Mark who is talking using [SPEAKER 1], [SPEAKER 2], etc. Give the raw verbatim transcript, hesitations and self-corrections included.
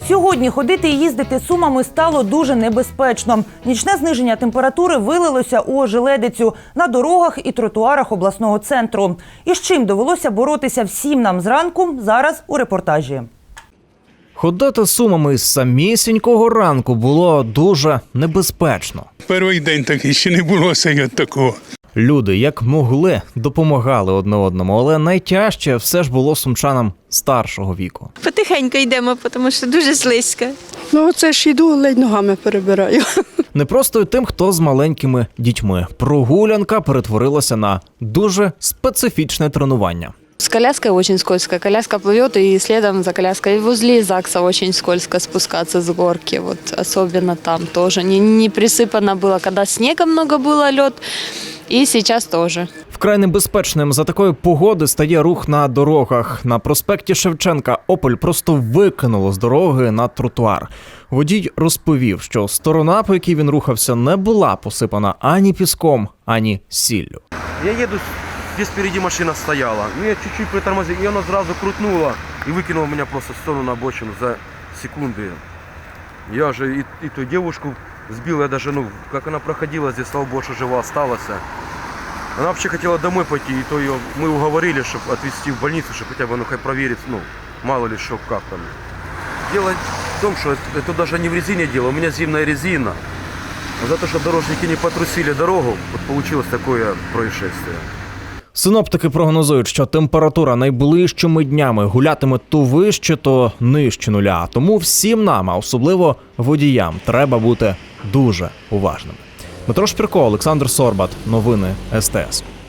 [SPEAKER 1] Сьогодні ходити і їздити Сумами стало дуже небезпечно. Нічне зниження температури вилилося у ожеледицю на дорогах і тротуарах обласного центру. І з чим довелося боротися всім нам зранку, зараз у репортажі.
[SPEAKER 2] Ходити Сумами з самісінького ранку було дуже небезпечно.
[SPEAKER 3] Перший день такий, ще не було сьогодні такого.
[SPEAKER 2] Люди, як могли, допомагали одне одному, але найтяжче все ж було сумчанам старшого віку.
[SPEAKER 4] Потихеньку йдемо, тому що дуже слизько.
[SPEAKER 5] Ну, оце ж йду, ледь ногами перебираю.
[SPEAKER 2] Не просто й тим, хто з маленькими дітьми. Прогулянка перетворилася на дуже специфічне тренування.
[SPEAKER 6] С коляской очень скользко. Коляска плывет, и следом за коляской возле ЗАГСа очень скользко спускаться с горки. Вот особенно там тоже. Не, не присыпано было, когда снега много было, лед, и сейчас тоже.
[SPEAKER 2] Вкрай небезпечним за такої погоди стає рух на дорогах. На проспекті Шевченка «Опель» просто викинуло з дороги на тротуар. Водій розповів, що сторона, по якій він рухався, не була посипана ані піском, ані сіллю.
[SPEAKER 7] Я еду, здесь впереди машина стояла. Ну, я чуть-чуть притормозил, и она сразу крутнула и выкинула меня просто в сторону на обочину за секунды. Я же и, и ту девушку сбил, я даже, ну, как она проходила здесь, слава богу, что жива осталась. Она вообще хотела домой пойти, и то ее мы уговорили, чтобы отвезти в больницу, чтобы хотя бы, ну, хоть проверить, ну, мало ли что, как там. Дело в том, что это, это даже не в резине дело, у меня зимняя резина. За то, что дорожники не потрусили дорогу, вот получилось такое происшествие.
[SPEAKER 2] Синоптики прогнозують, що температура найближчими днями гулятиме то вище, то нижче нуля. Тому всім нам, а особливо водіям, треба бути дуже уважними. Дмитро Шпірко, Олександр Сорбат. Новини ес те ес.